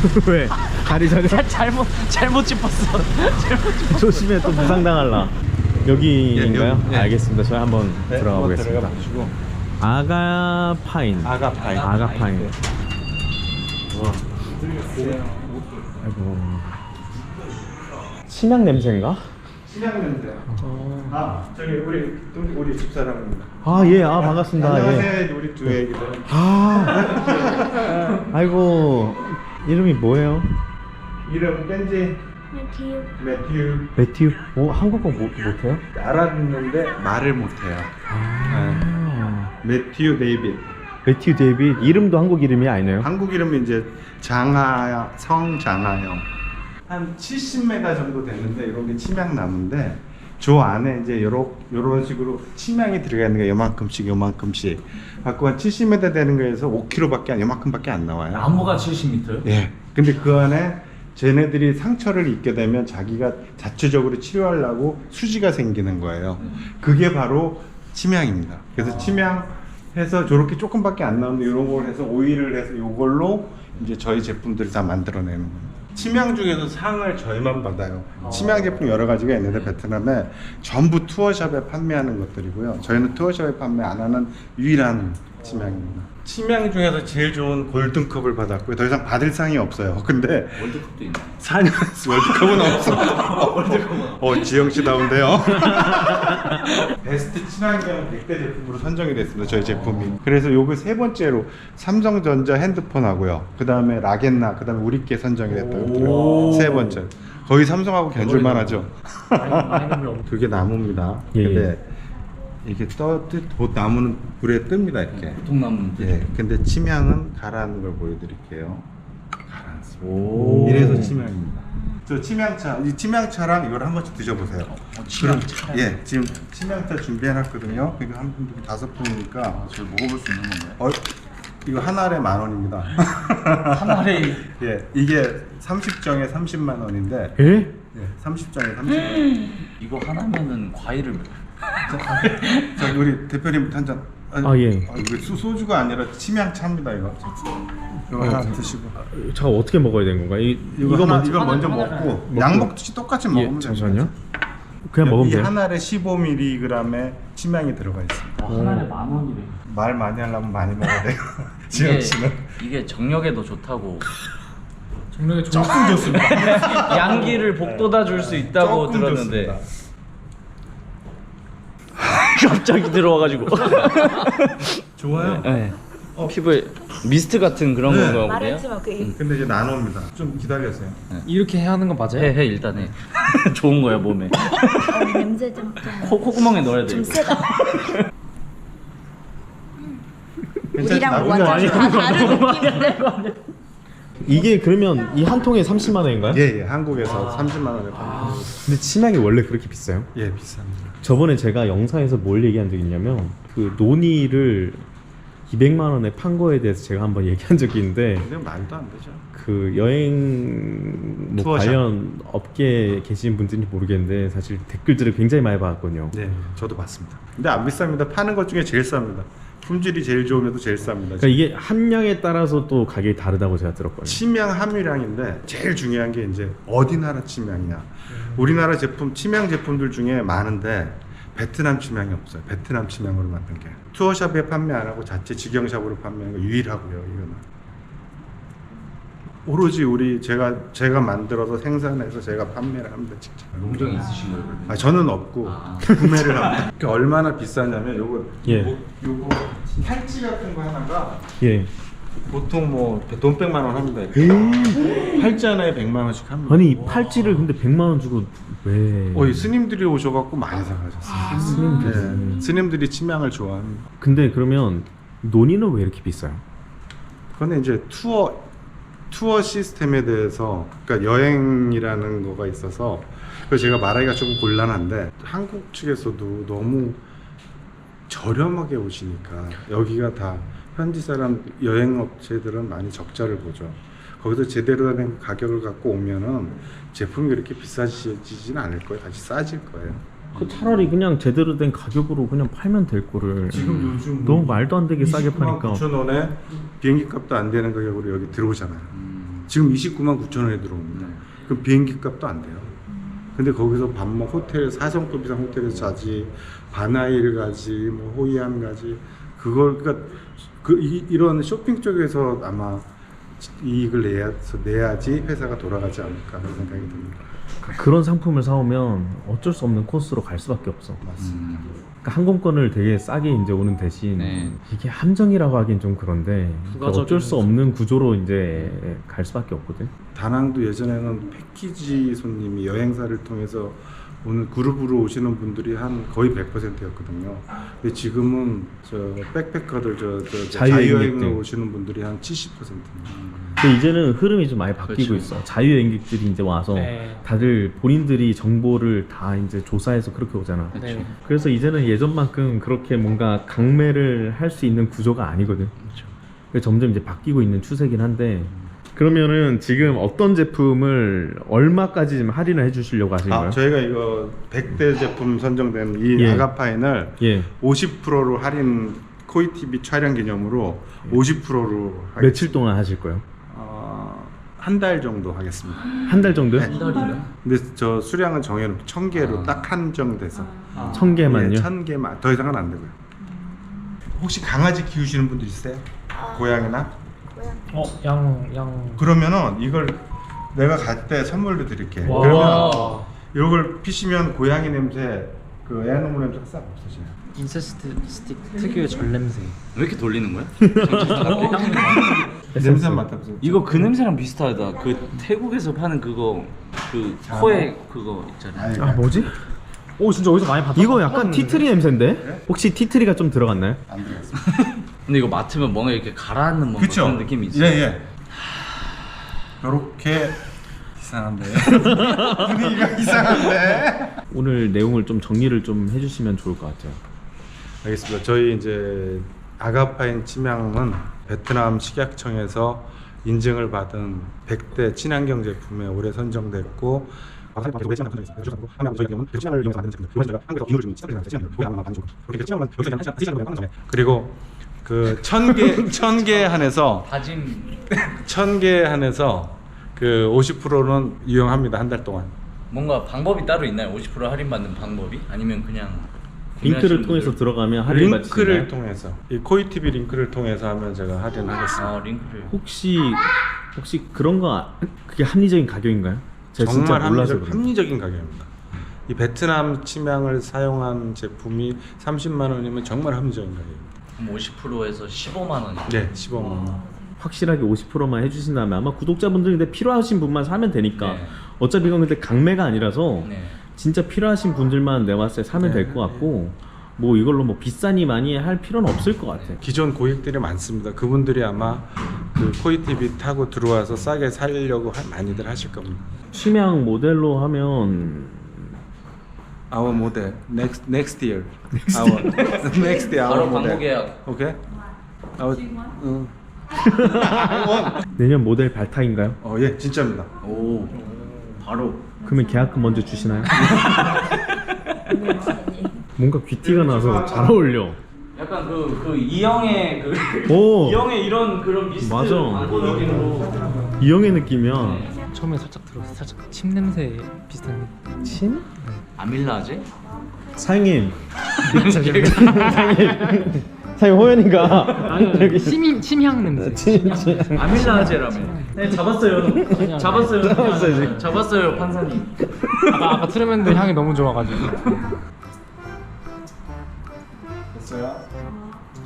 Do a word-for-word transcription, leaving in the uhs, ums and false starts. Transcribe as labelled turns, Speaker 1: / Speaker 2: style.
Speaker 1: 왜? 다리 저려?
Speaker 2: 잘, 잘못 잘못 짚었어. 잘못 짚었어.
Speaker 1: 조심해 또 부상당할라. 여기인가요?
Speaker 3: 예, 여기, 예.
Speaker 1: 알겠습니다. 저희 한번
Speaker 3: 네,
Speaker 1: 들어가
Speaker 3: 한번
Speaker 1: 보겠습니다.
Speaker 3: 들어가 보시고.
Speaker 1: 아가 파인.
Speaker 3: 아가 파인.
Speaker 1: 아가 파인.
Speaker 3: 네.
Speaker 1: 아이고. 침향 냄새인가?
Speaker 3: 신양 냄새. 아 저기 우리 우리, 우리 집사람입니다.
Speaker 1: 아 예, 아 반갑습니다. 예.
Speaker 3: 안녕하세요. 우리 두 애기들.
Speaker 1: 아, 아이고 이름이 뭐예요?
Speaker 3: 이름 뺀지
Speaker 4: 매튜.
Speaker 3: 매튜.
Speaker 1: 매튜. 오 한국어 못 못해요?
Speaker 3: 알았는데 말을 못해요.
Speaker 1: 아,
Speaker 3: 매튜 데이빗.
Speaker 1: 매튜 데이빗. 이름도 한국 이름이 아니네요.
Speaker 3: 한국 이름이 이제 장하 성장하영. 한 칠십 미터 정도 되는데 이런 게 침향나무인데 저 안에 이제 요런 요런 식으로 침향이 들어가 있는 게 요만큼씩 요만큼씩 갖고 한 칠십 미터 되는 거에서 오 킬로그램밖에 안 요만큼밖에 안 나와요.
Speaker 2: 나무가 칠십 미터요?
Speaker 3: 예. 근데 그 안에 쟤네들이 상처를 입게 되면 자기가 자체적으로 치료하려고 수지가 생기는 거예요. 그게 바로 침향입니다. 그래서 침향해서 저렇게 조금밖에 안 나오는데 이런 걸 해서 오일을 해서 이걸로 이제 저희 제품들을 다 만들어내는 겁니다. 침향 중에서 상을 저희만 받아요. 침향 제품 여러 가지가 있는데 베트남에 전부 투어샵에 판매하는 것들이고요. 저희는 투어샵에 판매 안 하는 유일한 침향입니다. 침향 중에서 제일 좋은 골든컵을 받았고요. 더 이상 받을 상이 없어요. 근데
Speaker 2: 월드컵도 있나?
Speaker 3: 사 년 월드컵은 없어. 월드컵은. 어, 지영 씨다운데요. 베스트 친환경 백 대 제품으로 선정이 됐습니다. 저희 제품이. 그래서 요거 세 번째로 삼성전자 핸드폰하고요. 그 다음에 라겐나, 그 다음에 우리께 선정이 됐다고 그러더라고요. 세 번째. 거의 삼성하고 견줄만 하죠. 그게 나무입니다.
Speaker 1: 예,
Speaker 3: 근데 이게 떠뜻 나무는 불에 뜹니다 이렇게.
Speaker 2: 보통나무는
Speaker 3: 예. 근데 침향은 가라앉는 걸 보여드릴게요. 가라앉습니다.
Speaker 1: 오.
Speaker 3: 이래서 침향입니다. 저 침향차, 이 침향차랑 이걸 한 번씩 드셔보세요.
Speaker 2: 어, 침향차.
Speaker 3: 예, 지금 침향차 준비해놨거든요. 이거 한 분, 다섯 분이니까.
Speaker 2: 아, 저를 먹어볼 수 있는 건가요?
Speaker 3: 어, 이거 한 알에 만 원입니다.
Speaker 2: 한 알에
Speaker 3: 예, 이게 삼십 정에 삼십만 원인데.
Speaker 1: 예?
Speaker 3: 예, 삼십 정에 삼십만 원.
Speaker 2: 이거 하나면은 과일을
Speaker 3: 자, 우리 대표님 한 잔. 아니,
Speaker 1: 아, 예.
Speaker 3: 아, 이거 수, 소주가 아니라 침향차입니다 이거. 이거 하나 드시고.
Speaker 1: 저 어떻게 먹어야 되는 건가? 이
Speaker 3: 이거,
Speaker 1: 이거
Speaker 3: 하나,
Speaker 1: 먼저
Speaker 3: 이거 먼저
Speaker 2: 하나,
Speaker 3: 먹고
Speaker 1: 먹고.
Speaker 3: 약 먹듯이 똑같이
Speaker 1: 예,
Speaker 3: 먹으면
Speaker 1: 잠시만요. 그냥 먹으면
Speaker 3: 이
Speaker 1: 돼요?
Speaker 3: 한 알에 십오 밀리그램의 침향이 들어가 있습니다.
Speaker 2: 한 알에 만 원이래.
Speaker 3: 말 많이 하려면 많이 먹어야 돼요.
Speaker 2: 이게,
Speaker 3: 지영 씨는
Speaker 2: 이게 정력에도 좋다고.
Speaker 3: 조금 좋습니다.
Speaker 2: 양기를 복돋아 줄 수 있다고
Speaker 3: 조금
Speaker 2: 들었는데
Speaker 3: 좋습니다.
Speaker 2: 갑자기 들어와가지고.
Speaker 3: 좋아요.
Speaker 2: 네. 피부에 미스트 같은 그런
Speaker 3: 네.
Speaker 2: 건가 보네요.
Speaker 4: 말했지만 그
Speaker 3: 근데 이제 나눠옵니다. 좀 기다려세요.
Speaker 5: 이렇게 해야 하는 거 맞아요?
Speaker 2: 해, 해 일단 해. 좋은 거야 몸에.
Speaker 4: 어, 냄새 좀 좀.
Speaker 2: 코, 콧구멍에 넣어야 돼.
Speaker 4: 좀
Speaker 2: 이거.
Speaker 4: 세다. 우리랑
Speaker 3: 나쁘지
Speaker 4: 완전
Speaker 3: 않아요.
Speaker 4: 다 다른 느낌인데.
Speaker 1: 이게 그러면 이 한 통에 삼십만 원인가요?
Speaker 3: 예, 예. 한국에서 삼십만 원에 팝니다.
Speaker 1: 근데 침향이 원래 그렇게 비싸요?
Speaker 3: 예, 비쌉니다.
Speaker 1: 저번에 제가 영상에서 뭘 얘기한 적이 있냐면 그 논의를 이백만 원에 판 거에 대해서 제가 한번 얘기한 적이 있는데
Speaker 3: 근데 말도 안 되죠.
Speaker 1: 그 여행 뭐
Speaker 3: 투어샵.
Speaker 1: 관련 업계에 계신 분들인지 모르겠는데 사실 댓글들을 굉장히 많이 받았거든요.
Speaker 3: 네, 저도 봤습니다. 근데 안 비쌉니다. 파는 것 중에 제일 쌉니다. 품질이 제일 좋으면도 제일 쌉니다.
Speaker 1: 그러니까 이게 함량에 따라서 또 가격이 다르다고 제가 들었거든요.
Speaker 3: 침향 함유량인데 제일 중요한 게 이제 어디 나라 침향이냐. 우리나라 제품 침향 제품들 중에 많은데 베트남 침향이 없어요. 베트남 침향으로 만든 게 투어샵에 판매 안 하고 자체 직영샵으로 판매하는 거 유일하고요. 이거는 오로지 우리 제가 제가 만들어서 생산해서 제가 판매를 합니다. 직접.
Speaker 2: 농장이 있으신 거예요? 그러면?
Speaker 3: 아 저는 없고
Speaker 2: 아.
Speaker 3: 구매를 합니다. 그러니까 얼마나 비싸냐면 요거
Speaker 1: 예.
Speaker 3: 뭐, 요거 팔찌 같은 거 하나가
Speaker 1: 예.
Speaker 3: 보통 뭐 돈 백만 원 합니다. 이렇게. 팔찌 하나에 백만 원씩 합니다.
Speaker 1: 아니 이 팔찌를 근데 백만 원 주고 왜?
Speaker 3: 어, 이 스님들이 오셔갖고 많이 사가셨어요.
Speaker 1: 스님들이.
Speaker 3: 네, 스님들이 침향을 좋아합니다.
Speaker 1: 근데 그러면 논의는 왜 이렇게 비싸요?
Speaker 3: 그거는 이제 투어 투어 시스템에 대해서 그러니까 여행이라는 거가 있어서 그 제가 말하기가 조금 곤란한데 한국 측에서도 너무 저렴하게 오시니까 여기가 다 현지 사람 여행 업체들은 많이 적자를 보죠. 거기서 제대로 된 가격을 갖고 오면은 제품이 그렇게 비싸지진 않을 거예요. 다시 싸질 거예요.
Speaker 1: 그 차라리 그냥 제대로 된 가격으로 그냥 팔면 될 거를
Speaker 3: 지금 요즘
Speaker 1: 너무 말도 안 되게 싸게
Speaker 3: 이십구만
Speaker 1: 파니까
Speaker 3: 구천 원에 비행기 값도 안 되는 가격으로 여기 들어오잖아요.
Speaker 2: 음.
Speaker 3: 지금 이십구만 구천 원에 들어옵니다. 그럼 비행기 값도 안 돼요. 근데 거기서 밥 먹, 호텔 사 성급 이상 호텔에서 자지, 바나일 가지, 뭐 호이안 가지, 그걸 그러니까 그 이, 이런 쇼핑 쪽에서 아마 이익을 내야, 내야지 회사가 돌아가지 않을까 하는 생각이 듭니다.
Speaker 1: 그런 상품을 사오면 어쩔 수 없는 코스로 갈 수밖에 없어.
Speaker 3: 맞습니다.
Speaker 1: 그러니까 항공권을 되게 싸게 이제 오는 대신
Speaker 2: 네.
Speaker 1: 이게 함정이라고 하긴 좀 그런데
Speaker 5: 부가적인
Speaker 1: 어쩔 수 없는 구조로 이제 갈 수밖에 없거든.
Speaker 3: 다낭도 예전에는 패키지 손님이 여행사를 통해서 오늘 그룹으로 오시는 분들이 한 거의 백 퍼센트였거든요. 근데 지금은 저 백패커들 저, 저, 저
Speaker 1: 자유여행객들.
Speaker 3: 자유여행으로 오시는 분들이 한 칠십 퍼센트입니다.
Speaker 1: 근데 이제는 흐름이 좀 많이 바뀌고
Speaker 2: 그렇죠.
Speaker 1: 있어. 자유여행객들이 이제 와서
Speaker 5: 네.
Speaker 1: 다들 본인들이 정보를 다 이제 조사해서 그렇게 오잖아.
Speaker 5: 네.
Speaker 1: 그래서 이제는 예전만큼 그렇게 뭔가 강매를 할 수 있는 구조가 아니거든. 그래서 점점 이제 바뀌고 있는 추세긴 한데. 그러면은 지금 어떤 제품을 얼마까지 지금 할인을 해주시려고 하시는
Speaker 3: 아,
Speaker 1: 거예요?
Speaker 3: 저희가 이거 백 대 제품 선정된 이
Speaker 1: 예.
Speaker 3: 아가파인을
Speaker 1: 예.
Speaker 3: 오십 퍼센트로 할인 코이티비 촬영 기념으로 오십 퍼센트로
Speaker 1: 며칠 동안 하실 거예요?
Speaker 3: 어, 한 달 정도 하겠습니다.
Speaker 1: 한 달 정도요?
Speaker 3: 네.
Speaker 2: 달이요?
Speaker 3: 근데 저 수량은 정해놓고 천 개로
Speaker 2: 아.
Speaker 3: 딱 한정돼서
Speaker 1: 천 개만요?
Speaker 3: 예, 천 개만 더 이상은 안 되고요. 혹시 강아지 키우시는 분들 있어요? 고양이나?
Speaker 5: 어, 양, 양.
Speaker 3: 그러면은 이걸 내가 갈 때 선물로 드릴게.
Speaker 5: 와.
Speaker 3: 그러면 이걸 피시면 고양이 냄새, 그 애완동물 냄새가 싹 없어져요.
Speaker 5: 인세스트 스틱 특유의 절 냄새.
Speaker 2: 왜 이렇게 돌리는 거야? 정체스타 같아?
Speaker 3: 냄새 한번 맡아보세요.
Speaker 2: 이거 그 냄새랑 비슷하다. 그 태국에서 파는 그거 그 코에 그거 있잖아요.
Speaker 1: 아 뭐지?
Speaker 5: 오, 진짜 어디서 많이 봤다.
Speaker 1: 이거 약간 티트리 냄새인데? 혹시 티트리가 좀 들어갔나요?
Speaker 3: 안 들어갔어요.
Speaker 2: 근데 이거 맡으면 뭔가 이렇게 가라앉는 뭔가
Speaker 3: 그쵸?
Speaker 2: 그런 느낌이 있어.
Speaker 3: 예, 예. 요렇게 이상한데. 분위기가 이상한데.
Speaker 1: 오늘 내용을 좀 정리를 좀 해주시면 좋을 것 같아요.
Speaker 3: 알겠습니다. 저희 이제 아가파인 침향은 베트남 식약청에서 인증을 받은 백 대 친환경 제품에 올해 선정됐고 그리고 그 천 개 천 개 한해서
Speaker 2: 다짐.
Speaker 3: 천 개 한해서 그 오십 퍼센트는 이용합니다. 한 달 동안.
Speaker 2: 뭔가 방법이 따로 있나요? 오십 퍼센트 할인 받는 방법이? 아니면 그냥
Speaker 1: 링크를
Speaker 2: 구매하시는
Speaker 1: 통해서
Speaker 2: 분들-
Speaker 1: 들어가면 할인
Speaker 3: 링크를
Speaker 1: 받으시나요?
Speaker 3: 통해서 이 코이티비 링크를 통해서 하면 제가 할인하겠습니다.
Speaker 2: 아 링크를.
Speaker 1: 혹시 혹시 그런 거 아- 그게 합리적인 가격인가요? 제가 진짜
Speaker 3: 정말
Speaker 1: 몰라서
Speaker 3: 합리적,
Speaker 1: 그래요.
Speaker 3: 합리적인 가격입니다. 이 베트남 침향을 사용한 제품이 삼십만 원이면 정말 합리적인 가격입니다.
Speaker 2: 그럼 오십 퍼센트에서 십오만 원.
Speaker 3: 네, 십오만 원.
Speaker 1: 확실하게 오십 퍼센트만 해주신다면 아마 구독자분들 근데 필요하신 분만 사면 되니까
Speaker 2: 네.
Speaker 1: 어차피 이건 근데 강매가 아니라서
Speaker 2: 네.
Speaker 1: 진짜 필요하신 분들만 내가 봤을 때 사면
Speaker 3: 네.
Speaker 1: 될 것 같고 뭐 이걸로 뭐 비싸니 많이 할 필요는 없을 것 같아.
Speaker 3: 기존 고객들이 많습니다. 그분들이 아마 그 코이티비 타고 들어와서 싸게 살려고 하- 많이들 하실 겁니다.
Speaker 1: 취향 모델로 하면
Speaker 3: Our model next next year. Our next year.
Speaker 2: 바로
Speaker 3: Our
Speaker 2: 광고
Speaker 3: model.
Speaker 2: 계약.
Speaker 3: 오케이. Our, 응.
Speaker 1: 내년 모델 발탁인가요?
Speaker 3: 어, 예, 진짜입니다.
Speaker 2: 오. 바로.
Speaker 1: 그러면 계약금 먼저 주시나요? 뭔가 귀티가 나서 잘 어울려.
Speaker 2: 약간 그 그 이영의 그
Speaker 1: 오
Speaker 2: 이영의 이런 그런 미스트
Speaker 1: 맞아.
Speaker 2: 광고 느낌으로.
Speaker 1: 이영의 느낌이야.
Speaker 5: 처음에 살짝 들었어. 살짝 침 냄새 비슷한.
Speaker 1: 침?
Speaker 2: 아밀라제?
Speaker 1: 사장님. 사장님. 사장님 호연이가
Speaker 5: 아니, 침 침향 냄새.
Speaker 1: 침, 침.
Speaker 2: 아밀라제라며. 네 잡았어요.
Speaker 5: 아니야.
Speaker 2: 잡았어요.
Speaker 1: 잡았어요, 지금.
Speaker 2: 잡았어요 판사님.
Speaker 5: 아까 아까 트레멘드 향이 너무 좋아가지고.
Speaker 3: 됐어요?